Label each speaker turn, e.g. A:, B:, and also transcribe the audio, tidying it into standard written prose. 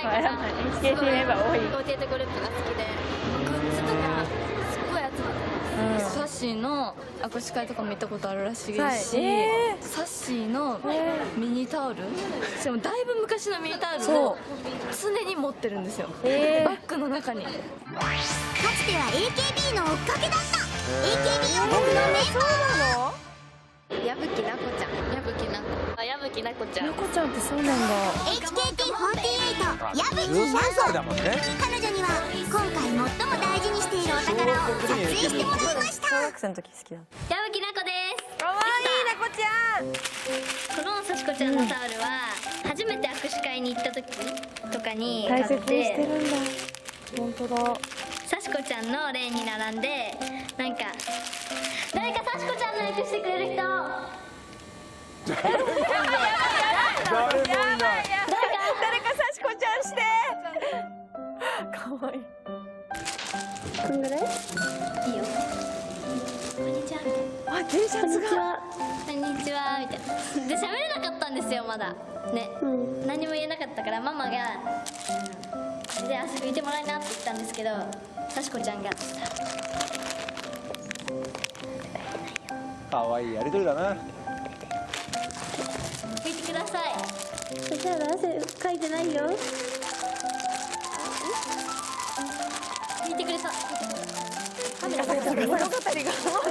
A: がさ、
B: HKT メンバー多い。
A: 48グループが好きで、グッズとかすっごい集まってます。
C: サッシーの握手会とかも行ったことあるらしいし、サッシーのミニタオル、でもだいぶ昔のミニタオルを常に持ってるんですよ、バッグの中に。
D: かつては AKB の追っかけだった AKB 音楽のメンバー。
A: 矢吹奈子ちゃん、矢吹奈子、矢吹奈子ちゃん。
B: なこちゃんってそうなんだ。
D: HKT48 矢吹
E: 13
D: 奈子。
E: 歳だもんね。
D: 彼女には今回最も大事にしているお宝を撮影してもらいました
B: 小学生の時好きだ。
A: 矢吹奈子です。
B: かわいいなこちゃん。
A: このさしこちゃんのタオルは初めて握手会に行った時とかに買っ
B: 大切にして
A: て、
B: るんだ。本当だ。
A: さしこちゃんの例に並んで、なんか誰かさしこちゃんの役してくれる人、
E: 誰もいない。
B: 誰かさしこちゃんして。かわいい。
A: こんぐらいいいよ。こんにちはみたいな。
B: あ、T シャツが。
A: こんにちはみたいな。で喋れなかったんですよ、まだね、何も言えなかったから、ママが「で遊びに行ってもらいな」って言ったんですけど、さしこちゃんが
E: 可愛いやりとりだな。
A: 拭いてください。
F: そしたら汗かいてないよ。
A: 拭いてくれそう。カメラ
B: 物語が。